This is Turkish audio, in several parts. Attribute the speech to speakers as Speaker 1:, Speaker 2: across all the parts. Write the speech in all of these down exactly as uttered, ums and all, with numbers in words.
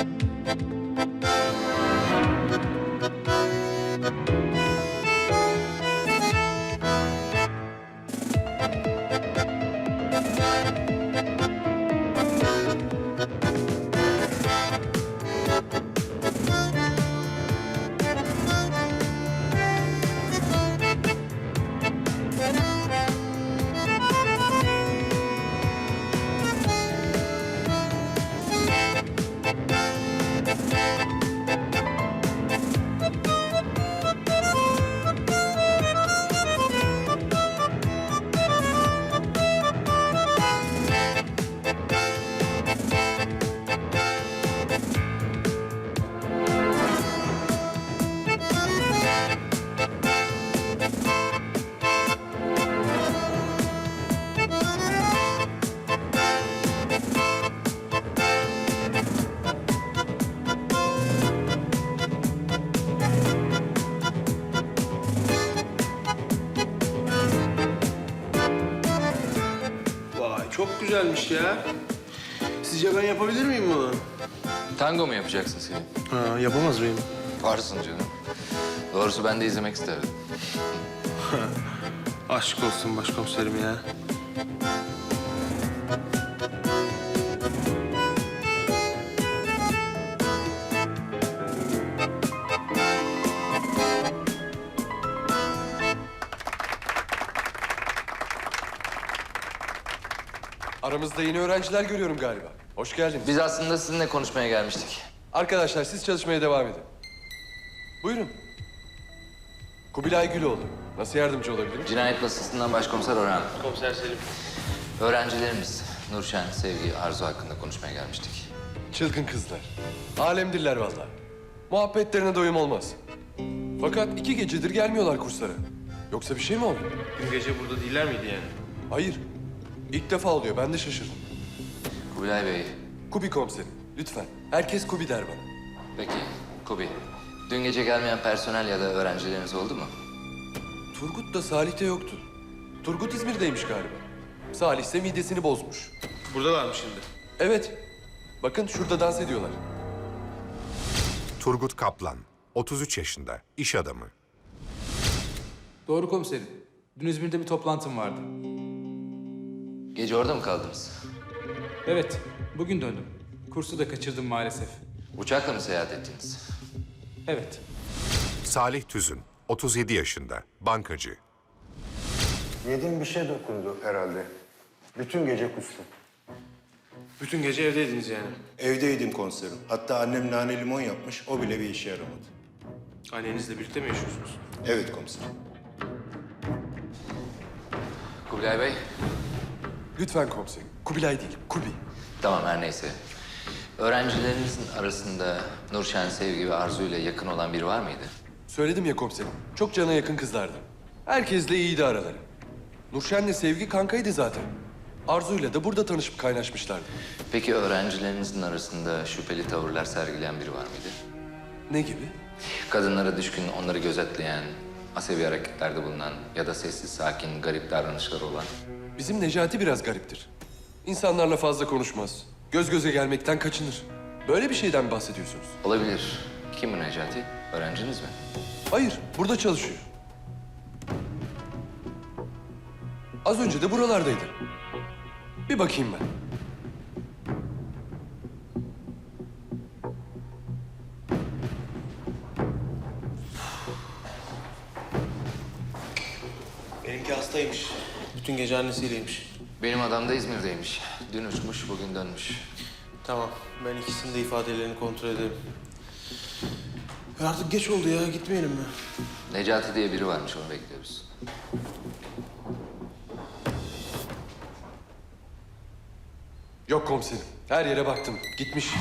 Speaker 1: Çok güzelmiş ya. Sizce ben yapabilir miyim bunu?
Speaker 2: Tango mu yapacaksın Selim?
Speaker 1: Ha, yapamaz mıyım?
Speaker 2: Varsın canım. Doğrusu ben de izlemek isterdim.
Speaker 1: Aşk olsun başkomiserim ya.
Speaker 3: Aramızda yeni öğrenciler görüyorum galiba. Hoş geldiniz.
Speaker 2: Biz aslında sizinle konuşmaya gelmiştik.
Speaker 3: Arkadaşlar siz çalışmaya devam edin. Buyurun. Kubilay Güloğlu. Nasıl yardımcı olabilirim?
Speaker 2: Cinayet masasından başkomiser Orhan.
Speaker 1: Komiser Selim.
Speaker 2: Öğrencilerimiz Nurşen, Sevgi, Arzu hakkında konuşmaya gelmiştik.
Speaker 3: Çılgın kızlar. Alemdirler vallahi. Muhabbetlerine doyum olmaz. Fakat iki gecedir gelmiyorlar kurslara. Yoksa bir şey mi oldu?
Speaker 1: Dün gece burada değiller miydi yani?
Speaker 3: Hayır. İlk defa oluyor. Ben de şaşırdım.
Speaker 2: Kubilay Bey,
Speaker 3: Kubi komiserim. Lütfen. Herkes Kubi der bana.
Speaker 2: peki Kubi. Dün gece gelmeyen personel ya da öğrencileriniz oldu mu?
Speaker 3: Turgut da Salih de yoktu. Turgut İzmir'deymiş galiba. Salih ise midesini bozmuş.
Speaker 1: Buradalar mı şimdi?
Speaker 3: Evet. Bakın şurada dans ediyorlar.
Speaker 4: Turgut Kaplan, otuz üç yaşında, iş adamı.
Speaker 5: Doğru komiserim. Dün İzmir'de bir toplantım vardı.
Speaker 2: Gece orada mı kaldınız?
Speaker 5: Evet, bugün döndüm. Kursu da kaçırdım maalesef.
Speaker 2: Uçakla mı seyahat ettiniz?
Speaker 5: Evet,
Speaker 4: Salih Tüzün, otuz yedi yaşında, bankacı.
Speaker 6: Yediğim bir şey dokundu herhalde. Bütün gece kustum.
Speaker 1: Bütün gece evdeydiniz yani.
Speaker 6: Evdeydim komiserim. Hatta annem nane limon yapmış, o bile bir işe yaramadı.
Speaker 1: Annenizle birlikte mi yaşıyorsunuz?
Speaker 6: Evet komiserim.
Speaker 2: Kubilay Bey,
Speaker 3: Lütfen komiserim. Kubilay değil, Kubi.
Speaker 2: tamam her neyse. Öğrencilerinizin arasında Nurşen, Sevgi ve Arzu ile yakın olan biri var mıydı?
Speaker 3: Söyledim ya komiserim. Çok cana yakın kızlardı. Herkesle iyiydi araları. Nurşen'le Sevgi kankaydı zaten. Arzu'yla da burada tanışıp kaynaşmışlardı.
Speaker 2: Peki öğrencilerinizin arasında şüpheli tavırlar sergileyen biri var mıydı?
Speaker 3: Ne gibi?
Speaker 2: Kadınlara düşkün, onları gözetleyen, asabi hareketlerde bulunan ya da sessiz, sakin, garip davranışları olan.
Speaker 3: Bizim Necati biraz gariptir. İnsanlarla fazla konuşmaz. Göz göze gelmekten kaçınır. Böyle bir şeyden mi bahsediyorsunuz?
Speaker 2: Olabilir. Kim bu Necati? Öğrenciniz mi?
Speaker 3: Hayır, burada çalışıyor. Az önce de buralardaydı. Bir bakayım ben.
Speaker 1: Benimki hastaymış. Bütün gece annesiyleymiş.
Speaker 2: Benim adam da İzmir'deymiş. Dün uçmuş, bugün dönmüş.
Speaker 1: Tamam, ben ikisinin de ifadelerini kontrol ederim. Ya artık geç oldu ya, gitmeyelim mi?
Speaker 2: Necati diye biri varmış, onu bekliyoruz.
Speaker 3: Yok komiserim. Her yere baktım. Gitmiş.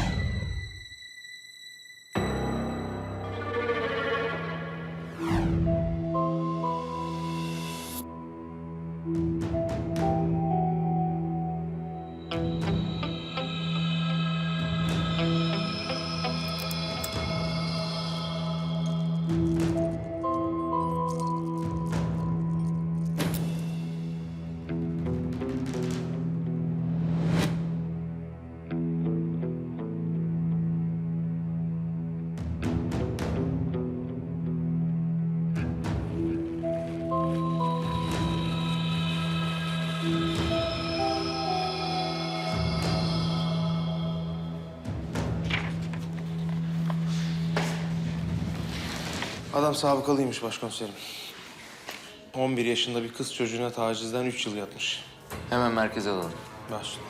Speaker 1: Adam sabıkalıymış başkomiserim. on bir yaşında bir kız çocuğuna tacizden üç yıl yatmış.
Speaker 2: Hemen merkeze alalım.
Speaker 1: Başla.